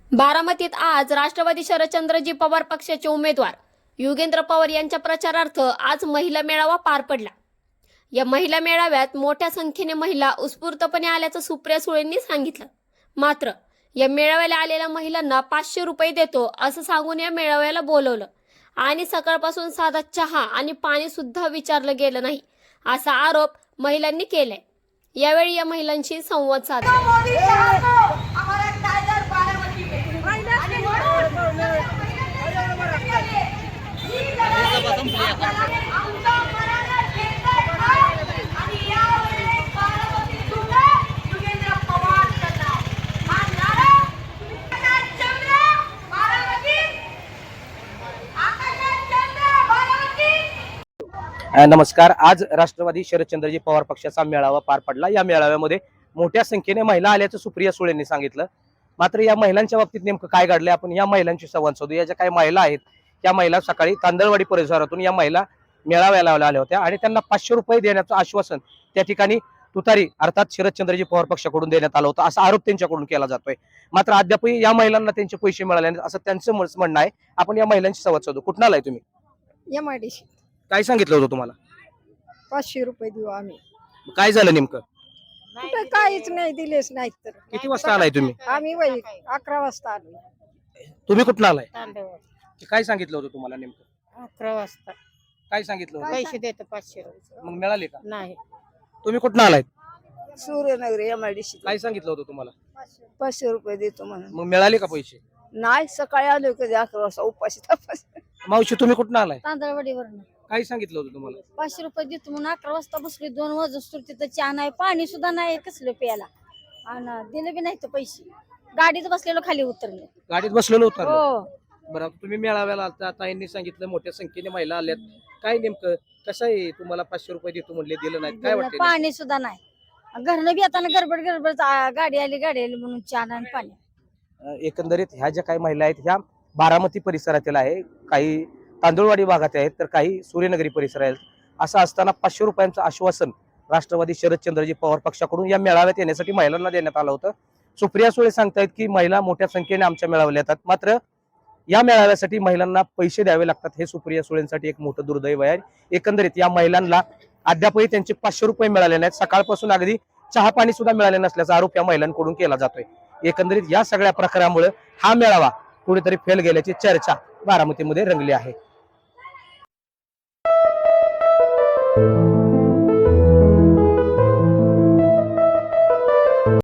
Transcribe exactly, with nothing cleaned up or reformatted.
बारामतीत आज राष्ट्रवादी शरदचंद्रजी पवार पक्षाचे उमेदवार युगेंद्र पवार यांच्या प्रचारार्थ आज महिला मेळावा पार पडला। या महिला मेळाव्यात मोठ्या संख्येने महिला उत्स्फूर्तपणे आल्याचं सुप्रिया सुळेंनी सांगितलं। मात्र या मेळाव्याला आलेल्या महिलांना पाचशे रुपये देतो असं सांगून या मेळाव्याला बोलवलं आणि सकाळपासून साधा चहा आणि पाणी सुद्धा विचारलं गेलं नाही असा आरोप महिलांनी केलाय। यावेळी या महिलांशी संवाद साधला। नमस्कार। आज राष्ट्रवादी शरदचंद्रजी पवार पक्षाचा मेळावा पार पडला। या मेळाव्यामध्ये मोठ्या संख्येने महिला आल्याचं सुप्रिया सुळेंनी सांगितलं। मात्र या महिलांच्या बाबतीत नेमकं काय घडलंय आपण या महिलांशी संवाद साधू। या ज्या काही महिला आहेत त्या महिला सकाळी तांदळवाडी परिसरातून या महिला मेळाव्याला आल्या होत्या आणि त्यांना पाचशे रुपये देण्याचं आश्वासन त्या ठिकाणी तुतारी अर्थात शरदचंद्रजी पवार पक्षाकडून देण्यात आलं होतं असा आरोप त्यांच्याकडून केला जातोय। मात्र अद्यापही या महिलांना त्यांचे पैसे मिळाले नाहीत असं त्यांचं म्हणणं आहे। आपण या महिलांशी संवाद साधू। कुठं आलाय तुम्ही? एमआयडीसी। काय सांगितलं होतं तुम्हाला? पाचशे रुपये देऊ आम्ही। काय झालं नेमकं? कुठं काहीच नाही दिलेच नाहीत तर। किती वाजता आलाय तुम्ही? आम्ही वय अकरा वाजता आलो। तुम्ही कुठं आलाय? तांदळवाडी। काय सांगितलं होतं तुम्हाला नेमकं? अकरा वाजता काय सांगितलं होतं? पैसे देतो पाचशे रुपये। मग मिळाले का? नाही। तुम्ही कुठं आलाय? सूर्यनगर एमआयडीसी। काय सांगितलं होतं तुम्हाला? पाचशे रुपये देतो म्हणून। मग मिळाले का पैसे? नाही, सकाळी आलो कधी अकरा वाजता उपाशी तपास। मावशी तुम्ही कुठं आलाय? तांदळवाडीवरून काय सांगितलं होतं तुम्हाला? पाचशे रुपये देतो म्हणून अकरा वाजता बसले। दोन वाजता तिथं चहा नाही, पाणी सुद्धा नाही कसलं प्यायला, आणि दिले बी नाही तर पैसे। गाडीत बसलेलो खाली उतरले। गाडीत बसलेलो होतं? हो। बरं, तुम्ही मेळाव्याला आलता, ताईंनी सांगितलं मोठ्या संख्येने महिला आल्यात, काय नेमकं कसं आहे? तुम्हाला पाचशे रुपये देतो म्हणले, दिलं नाही, काय वाटतं? पाणी सुद्धा नाही, घरनं बी येताना गडबड गडबड आ, गाडी आली गाडी आली म्हणून चहा नाही आणि पाणी। एकंदरीत ह्या ज्या काही महिला आहेत ह्या बारामती परिसरातील आहे, काही तांदूळवाडी भागात आहेत तर काही सूर्यनगरी परिसर आहेत। असं असताना पाचशे रुपयांचं आश्वासन राष्ट्रवादी शरदचंद्रजी पवार पक्षाकडून या मेळाव्यात येण्यासाठी महिलांना देण्यात आलं होतं। सुप्रिया सुळे सांगतायत की महिला मोठ्या संख्येने आमच्या मेळाव्याला येतात, मात्र या मेळाव्यासाठी महिलांना पैसे द्यावे लागतात। हे सुप्रिया सुळेंसाठी एक मोठं दुर्दैव आहे। एकंदरीत या महिलांना अद्यापही त्यांचे पाचशे रुपये मिळाले नाहीत, सकाळपासून अगदी चहा पाणी सुद्धा मिळाले नसल्याचा आरोप या महिलांकडून केला जातोय। एकंदरीत या सगळ्या प्रकारामुळे हा मेळावा कुठेतरी फेल गेल्याची चर्चा बारामतीमध्ये रंगली आहे।